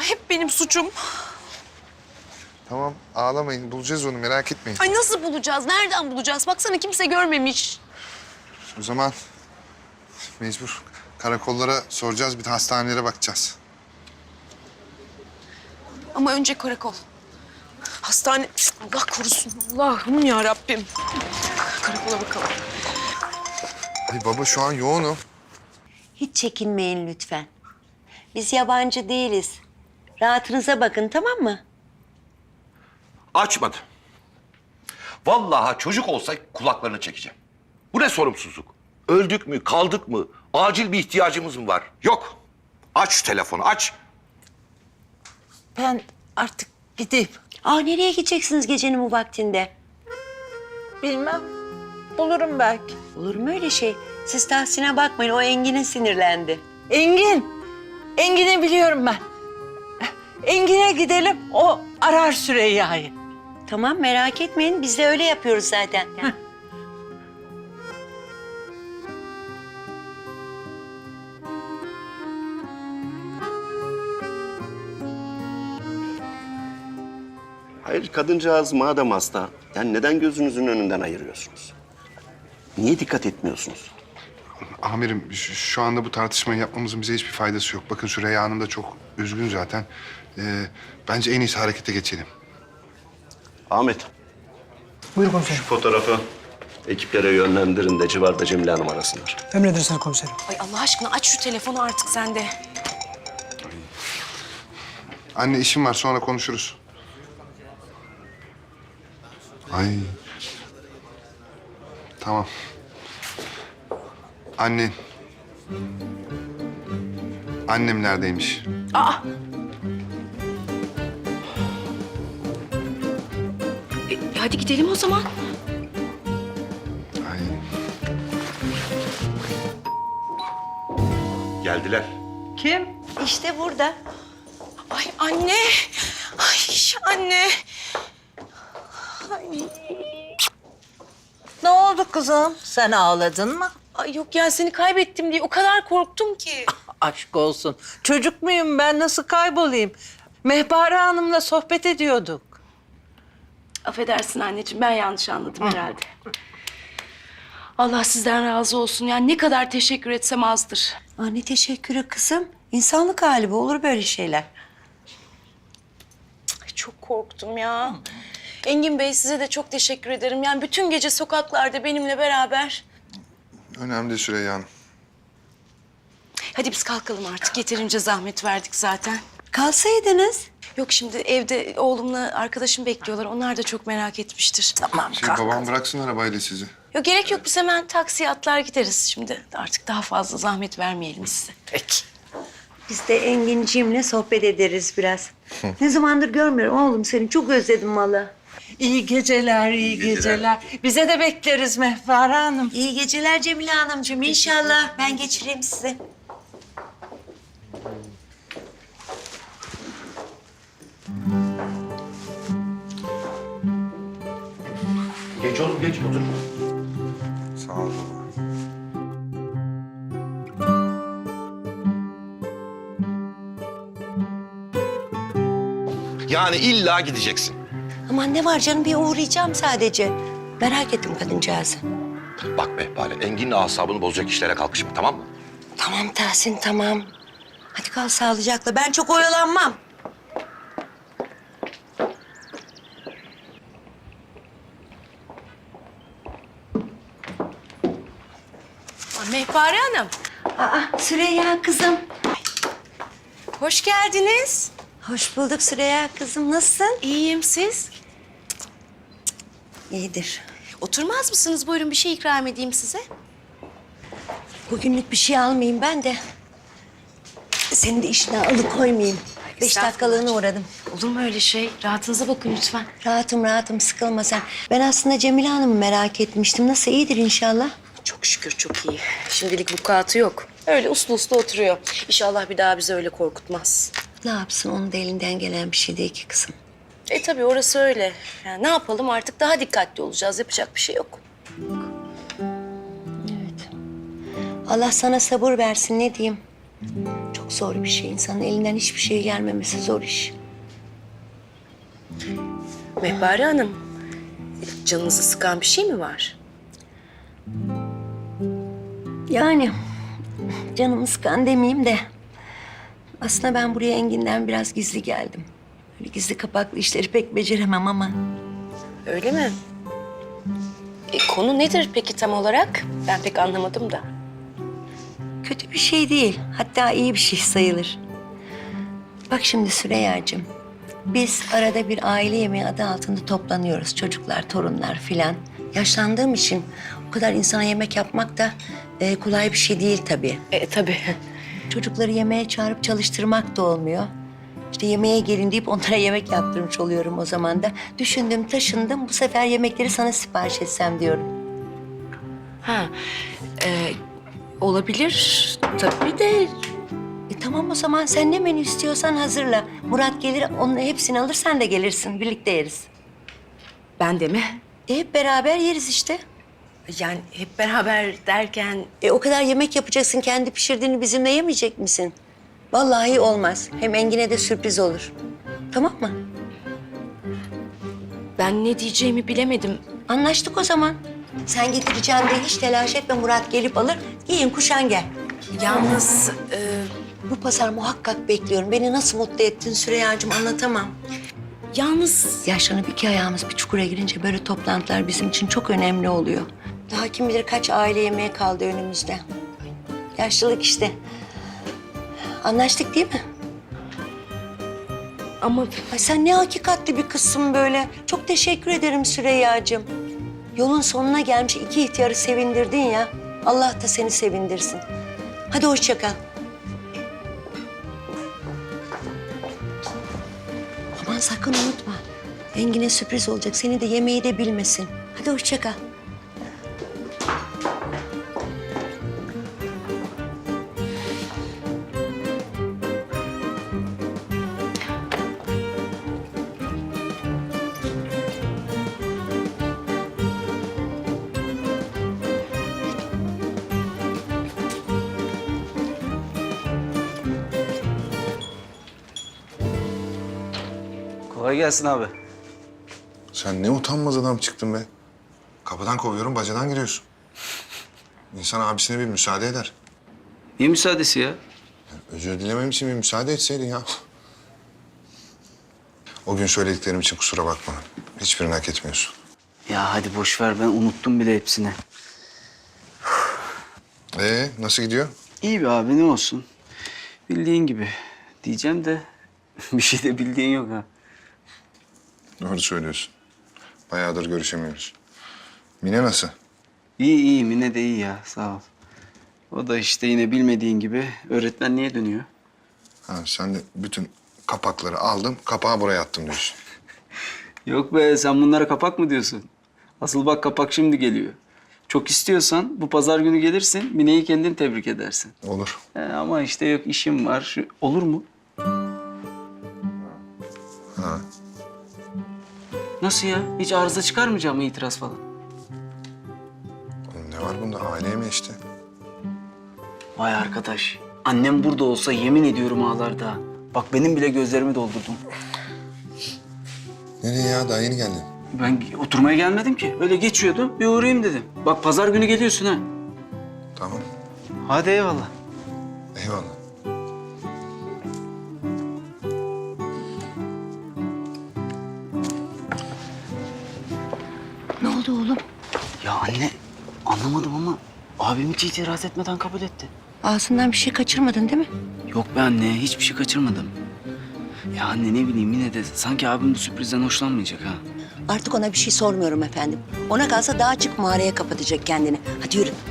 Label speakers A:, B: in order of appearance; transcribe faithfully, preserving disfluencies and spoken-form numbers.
A: hep benim suçum.
B: Tamam ağlamayın. Bulacağız onu merak etmeyin.
A: Ay nasıl bulacağız? Nereden bulacağız? Baksana kimse görmemiş.
B: O zaman mecbur karakollara soracağız. Bir de hastanelere bakacağız.
A: Ama önce karakol. Hastane... Allah korusun. Allah'ım ya Rabbim. Karakola bakalım.
B: Ay baba şu an yoğunum.
C: Hiç çekinmeyin lütfen. Biz yabancı değiliz. Rahatınıza bakın, tamam mı?
D: Açmadı. Vallahi çocuk olsa kulaklarını çekeceğim. Bu ne sorumsuzluk? Öldük mü, kaldık mı? Acil bir ihtiyacımız mı var? Yok. Aç şu telefonu, aç.
E: Ben artık gideyim.
C: Aa, nereye gideceksiniz gecenin bu vaktinde?
E: Bilmem. Bulurum belki.
C: Olur mu öyle şey? Siz Tahsin'e bakmayın, o Engin'e sinirlendi.
E: Engin. Engin'i biliyorum ben. Engin'e gidelim. O arar Süreyya'yı.
C: Tamam, merak etmeyin. Biz de öyle yapıyoruz zaten.
F: Hayır, kadıncağız madem hasta, yani neden gözünüzün önünden ayırıyorsunuz? Niye dikkat etmiyorsunuz?
B: Amirim şu, şu anda bu tartışmayı yapmamızın bize hiçbir faydası yok. Bakın Süreyya Hanım da çok üzgün zaten. Ee, bence en iyisi harekete geçelim.
F: Ahmet.
G: Buyur komiserim.
F: Şu fotoğrafı ekiplere yönlendirin de civarda Cemile Hanım arasınlar.
G: Emredersiniz komiserim.
A: Ay Allah aşkına aç şu telefonu artık sen de.
B: Anne işim var sonra konuşuruz. Ay. Tamam. Annen. Annem neredeymiş?
A: Aa. E, hadi gidelim o zaman.
B: Ay.
D: Geldiler.
E: Kim?
C: İşte burada.
A: Ay anne. Ay anne. Ay.
E: Ne oldu kızım? Sen ağladın mı?
A: Ay yok ya seni kaybettim diye o kadar korktum ki.
E: Aşk olsun. Çocuk muyum ben? Nasıl kaybolayım? Mehpare Hanım'la sohbet ediyorduk.
A: Affedersin anneciğim ben yanlış anladım herhalde. Allah sizden razı olsun. Yani ne kadar teşekkür etsem azdır.
C: Aa, ne teşekkürü kızım. İnsanlık hali bu, olur böyle şeyler.
A: Ay, çok korktum ya. Engin Bey size de çok teşekkür ederim. Yani bütün gece sokaklarda benimle beraber.
B: Önemli değil Süreyya Hanım.
A: Hadi biz kalkalım artık. Yeterince zahmet verdik zaten.
C: Kalsaydınız.
A: Yok şimdi evde oğlumla arkadaşım bekliyorlar. Onlar da çok merak etmiştir.
E: Tamam
B: Şimdi
E: kalk.
B: babam bıraksın arabayla sizi.
A: Yok gerek yok. Biz hemen taksiye atlar gideriz şimdi. Artık daha fazla zahmet vermeyelim size.
E: Peki.
C: Biz de Enginciğimle sohbet ederiz biraz. Ne zamandır görmüyorum oğlum seni. Çok özledim valla.
E: İyi geceler, iyi geceler. Bize de bekleriz Mehpare Hanım.
C: İyi geceler Cemile Hanımcığım. İnşallah ben geçireyim sizi.
D: Geç oğlum, geç otur.
B: Sağ ol baba.
D: Yani illa gideceksin.
C: Aman ne var canım, bir uğrayacağım sadece. Merak ettim kadıncağızı.
D: Bak Mehpare, Engin'in asabını bozacak işlere kalkışma, tamam mı?
C: Tamam Tahsin, tamam. Hadi kal sağlıcakla. Ben çok oyalanmam.
A: Aa, Mehpare Hanım.
C: Aa, Süreyya kızım.
A: Hoş geldiniz.
C: Hoş bulduk Süreyya kızım. Nasılsın?
A: İyiyim siz.
C: İyidir.
A: Oturmaz mısınız? Buyurun bir şey ikram edeyim size.
C: Bugünlük bir şey almayayım ben de. Senin de işine alıkoymayayım. Beş dakikalığına uğradım.
A: Olur mu öyle şey? Rahatınıza bakın lütfen.
C: Rahatım rahatım, sıkılma sen. Ben aslında Cemile Hanım'ı merak etmiştim. Nasıl, iyidir inşallah?
A: Çok şükür çok iyi. Şimdilik vukuatı yok. Öyle uslu uslu oturuyor. İnşallah bir daha bizi öyle korkutmaz.
C: Ne yapsın, onun da elinden gelen bir şey değil ki kızım.
A: E tabii orası öyle. Yani ne yapalım artık daha dikkatli olacağız. Yapacak bir şey yok.
C: Evet. Allah sana sabır versin, ne diyeyim? Çok zor bir şey. İnsanın elinden hiçbir şey gelmemesi zor iş.
A: Mehpare Hanım, canınızı sıkan bir şey mi var?
C: Yani canımı sıkan demeyeyim de... Aslında ben buraya Engin'den biraz gizli geldim. Böyle gizli kapaklı işleri pek beceremem ama...
A: Öyle mi? E, konu nedir peki tam olarak? Ben pek anlamadım da.
C: Kötü bir şey değil. Hatta iyi bir şey sayılır. Bak şimdi Süreyya'cığım. Biz arada bir aile yemeği adı altında toplanıyoruz. Çocuklar, torunlar filan. Yaşlandığım için o kadar insana yemek yapmak da e, kolay bir şey değil tabii.
A: E, tabii.
C: Çocukları yemeğe çağırıp çalıştırmak da olmuyor. İşte yemeğe gelin deyip onlara yemek yaptırmış oluyorum o zaman da. Düşündüm, taşındım. Bu sefer yemekleri sana sipariş etsem diyorum.
A: Ha, e, olabilir tabii de...
C: E tamam o zaman sen ne menü istiyorsan hazırla. Murat gelir, onun hepsini alır, sen de gelirsin. Birlikte yeriz.
A: Ben de mi?
C: E hep beraber yeriz işte.
A: Yani hep beraber derken...
C: E o kadar yemek yapacaksın, kendi pişirdiğini bizimle yemeyecek misin? Vallahi olmaz. Hem Engin'e de sürpriz olur. Tamam mı?
A: Ben ne diyeceğimi bilemedim.
C: Anlaştık o zaman. Sen getireceğim diye hiç telaş etme, Murat gelip alır. Giyin kuşan gel.
A: Yalnız e,
C: Bu pazar muhakkak bekliyorum. Beni nasıl mutlu ettin Süreyya'cığım anlatamam.
A: yalnız
C: Yaşlanıp iki ayağımız bir çukura girince böyle toplantılar bizim için çok önemli oluyor. Daha kim bilir kaç aile yemeği kaldı önümüzde. Yaşlılık işte. Anlaştık değil mi?
A: ama
C: Ay sen ne hakikatli bir kızsın böyle. Çok teşekkür ederim Süreyya'cığım. Yolun sonuna gelmiş iki ihtiyarı sevindirdin ya. Allah da seni sevindirsin. Hadi hoşça kal. Aman sakın unutma. Engin'e sürpriz olacak. Seni de yemeği de bilmesin. Hadi hoşça kal.
H: Kolay gelsin abi.
B: Sen ne utanmaz adam çıktın be. Kapıdan kovuyorum, bacadan giriyorsun. İnsan abisine bir müsaade eder.
H: Niye müsaadesi ya?
B: Özür dilemem için bir müsaade etseydin ya. O gün söylediklerim için kusura bakma. Hiçbirini hak etmiyorsun.
H: Ya hadi boş ver, ben unuttum bile hepsini.
B: Ee, nasıl gidiyor?
H: İyi be abi, ne olsun. Bildiğin gibi diyeceğim de bir şey de bildiğin yok ha.
B: Doğru söylüyorsun. Bayağıdır görüşemiyoruz. Mine nasıl?
H: İyi iyi, Mine de iyi ya, sağ ol. O da işte yine bilmediğin gibi öğretmenliğe dönüyor.
B: Ha, sen de bütün kapakları aldım, kapağı buraya attım diyorsun.
H: Yok be, sen bunlara kapak mı diyorsun? Asıl bak kapak şimdi geliyor. Çok istiyorsan bu pazar günü gelirsin, Mine'yi kendin tebrik edersin.
B: Olur.
H: He, ama işte yok, işim var. Şu, olur mu?
B: Ha.
H: Nasıl ya? Hiç arıza çıkarmayacak mı, itiraz falan?
B: Oğlum ne var bunda? Aile mi işte?
H: Vay arkadaş. Annem burada olsa yemin ediyorum ağlarda. Bak benim bile gözlerimi doldurdum.
B: Nereye ya? Daha yeni geldin.
H: Ben oturmaya gelmedim ki. Öyle geçiyordum. Bir uğrayayım dedim. Bak pazar günü geliyorsun ha.
B: Tamam.
H: Hadi eyvallah.
B: Eyvallah.
C: Ne oldu oğlum?
H: Ya anne anlamadım ama abim hiç itiraz etmeden kabul etti.
C: Ağzından bir şey kaçırmadın değil mi?
H: Yok be anne, hiçbir şey kaçırmadım. Ya anne ne bileyim, yine de sanki abim bu sürprizden hoşlanmayacak ha.
C: Artık ona bir şey sormuyorum efendim. Ona kalsa daha açık mağaraya kapatacak kendini. Hadi yürü.